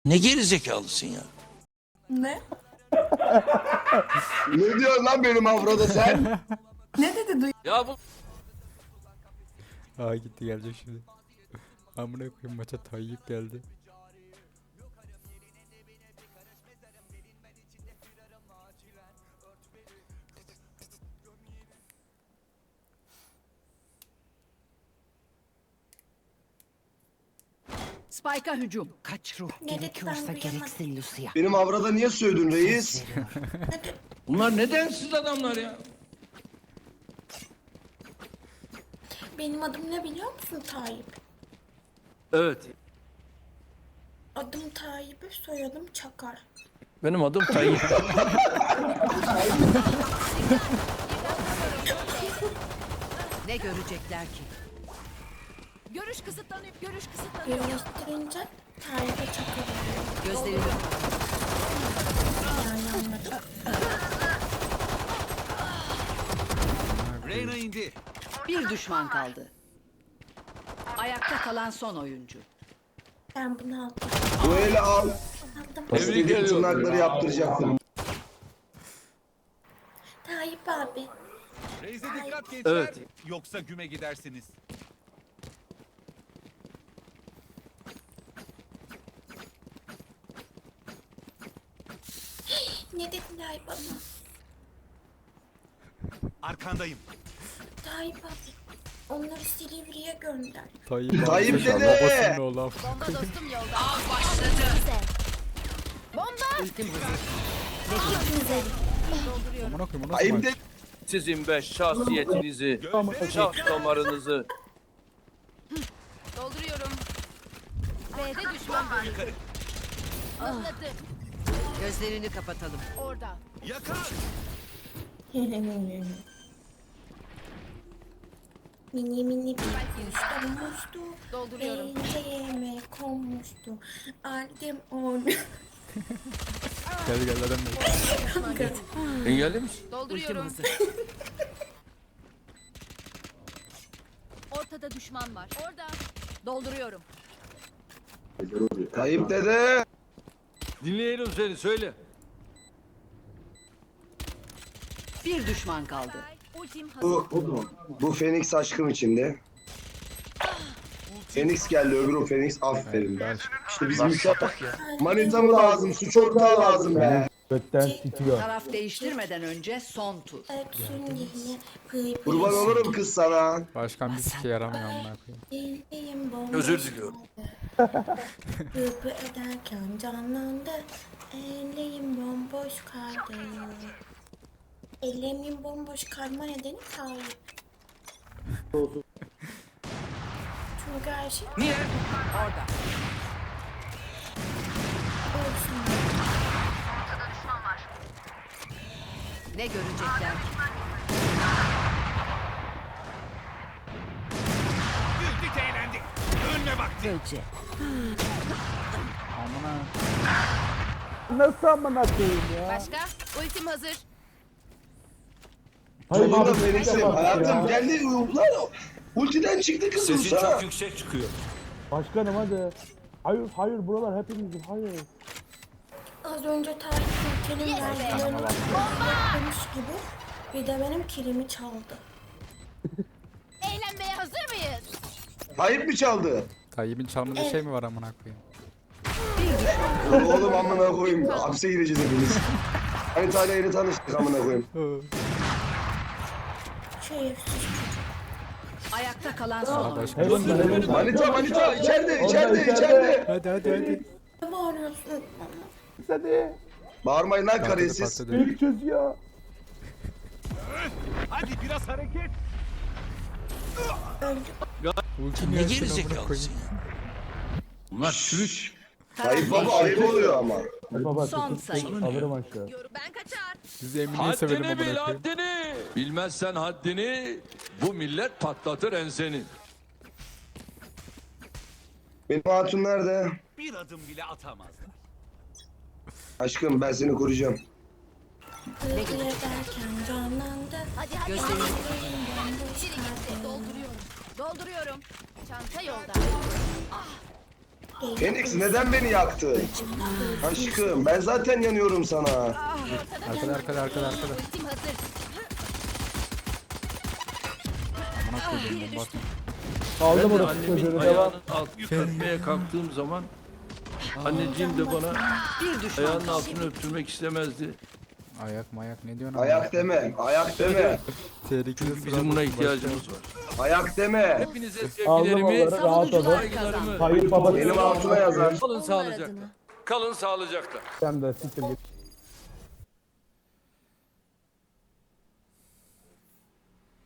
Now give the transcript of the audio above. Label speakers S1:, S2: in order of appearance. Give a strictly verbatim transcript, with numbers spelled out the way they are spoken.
S1: Ne gerizekalısın ya?
S2: Ne?
S3: Ne diyorsun lan benim Afro'da sen?
S2: Ne dedi duy?
S1: Ya bu
S4: Aa gitti gelecek şimdi. Amına koyayım maça Tayyip geldi.
S5: Spike'a hücum. Kaç ruh
S2: Ne dedi
S5: gerekiyorsa
S2: ben
S5: gereksin Lucia.
S3: Benim Afro'da niye sövdün reis?
S1: bunlar ne densiz adamlar ya?
S2: Benim adım ne biliyor musun Tayyip?
S1: Evet.
S2: Adım Tayyip'e soyadım Çakar.
S1: Benim adım Tayyip.
S5: Ne görecekler ki? Görüş kısıtlanıyor. Görüş kısıtlanıyor.
S2: Birleştirince Tayyip'e Çakar oluyor.
S5: Gözlerini
S2: Yani anladım.
S6: Reyna indi.
S5: bir düşman kaldı. Ayakta kalan son oyuncu.
S2: Ben bunu aldım.
S3: Bu eli al.
S2: Aldım.
S3: İstediğim
S1: ediyorum.
S3: tırnakları yaptıracaktım.
S2: Tayyip abi.
S6: Reis'e dikkat gençler.
S1: Evet.
S6: Yoksa güme gidersiniz.
S2: Ne dediler bana?
S6: Arkandayım.
S2: Tayyip abi. Onları Silivri'ye gönder.
S4: Tayyip,
S3: Tayyip
S4: abi,
S3: dede!
S4: babasının oğlu.
S5: Ultim hazır.
S4: Amına koyayım o nasıl
S3: Ayıp
S4: maç?
S3: de
S1: Sizin be şahsiyetinizi, şahs damarınızı.
S7: Dolduruyorum. B'de düşman bölümü. Anladım.
S5: Gözlerini kapatalım.
S7: Orada.
S6: Yakar.
S2: Mini mini bir kuş olmuştu.
S7: Dolduruyorum.
S2: Pencereme konmuştu. Aldım onu.
S4: Gel gel adam gel.
S1: Engelli misin?
S5: Ultim
S7: Dolduruyorum.
S5: hazır.
S7: Ortada düşman var. Orada. Dolduruyorum.
S3: Tayyip dede.
S1: Dinleyelim seni söyle.
S5: Bir düşman kaldı.
S7: Ultim hazır.
S3: Bu, bu Phoenix aşkım içinde. Phoenix geldi öbürü Phoenix aferin be. İşte bizim uşak. Manita mı lazım? Su çok daha lazım be.
S8: Götten titriyor.
S5: Taraf değiştirmeden önce son tur.
S2: Öksün diye pıy pıy.
S3: Kurban olurum kız sana.
S4: Başkan bir sike yaramıyor amına koyayım.
S2: Ellerim bomboş
S1: Özür diliyorum.
S2: kaldı. Pıpı ederken canlandı. Ellerim bomboş kaldı. Ellerimin bomboş kalma nedeni Tayyip. Çünkü her şey
S1: Niye?
S5: Orada.
S2: olsun.
S5: Ne görecekler ki?
S6: Güldük eğlendik. Önüne bak.
S5: Gölce.
S4: Amına.
S8: Nasıl amına koyayım ya?
S7: Başka? Ultim hazır.
S8: Hayır,
S3: Sonunda
S8: abi,
S3: Phoenix'im.
S8: bak ya.
S3: Hayatım geldi. Lan ultiden çıktı kız
S1: Sesin
S3: Musa.
S1: çok yüksek çıkıyor.
S8: Başkanım hadi. Hayır hayır buralar hepimizin hayır.
S2: Az önce Tayyip'in kelim verdiğini yapmış gibi bir de benim kilimi çaldı.
S7: Eğlenmeye hazır mıyız?
S3: Tayyip mi çaldı?
S4: Tayyip'in çalmadığı şey mi var amına koyayım?
S3: Oğlum amına koyayım. Hapse gireceğiz hepimiz. Hani Tayla yeni tanıştık amına koyayım.
S2: Şerefsiz çocuk.
S5: Ayakta kalan son oyuncu.
S8: Heaven da heaven da.
S3: Manita manita içeride
S8: Orada,
S3: içeride
S8: içeride.
S3: içeride.
S4: Hadi hadi hadi.
S2: Ne bağırıyorsun bana?
S8: Hadi.
S3: Bağırmayın lan
S4: Patladı
S3: karesiz.
S4: patladı.
S8: İlk çözüyor.
S6: Hadi biraz hareket.
S4: Ultim
S1: Ne
S4: yersin amına
S1: gerizekalısın
S4: koyayım.
S1: ya? Bunlar çürük.
S3: Tayyip baba ayıp oluyor ama.
S8: Hadi baba
S5: Son
S8: tut,
S5: sayı.
S8: tut, alırım aşağı.
S7: Ben kaçar.
S4: Biz Emine'yi sevelim
S1: Haddini bil
S4: amına koyayım.
S1: haddini. Bilmezsen haddini bu millet patlatır enseni.
S3: Benim hatun nerede?
S6: Bir adım bile atamazlar.
S3: Aşkım ben seni koruyacağım.
S2: Pıpı ederken canlandı.
S7: Hadi hadi.
S5: Gözlerini
S2: Ellerim bomboş
S7: Biri gitti.
S2: kaldı.
S7: Dolduruyorum. Dolduruyorum. Çanta yolda.
S3: Phoenix neden beni yaktı? Aşkım ben zaten yanıyorum sana.
S4: Arkada arkada arkada arkada.
S7: Ultim hazır.
S4: Amına koyayım bomba atma.
S8: Aldım
S1: Ben de
S8: orası
S1: annemin
S8: çocuğunu devam.
S1: ayağının altını öpmeye kalktığım zaman anneciğim de bana
S5: Bir düşman
S1: ayağının
S5: kaldı.
S1: altını öptürmek istemezdi.
S4: Ayak mayak ne diyorsun?
S3: Ayak deme, ayak deme,
S4: Tehlikeli
S1: Çünkü bizim buna ihtiyacımız var.
S3: ayak deme.
S1: Hepinize
S8: Aldım
S1: sevgilerimi,
S8: onları rahat olun.
S1: saygılarımı.
S8: Hayır baba.
S3: Benim altıma yazar.
S1: Kalın sağlıcakla. Kalın sağlıcakla.
S8: Sen de siktir git.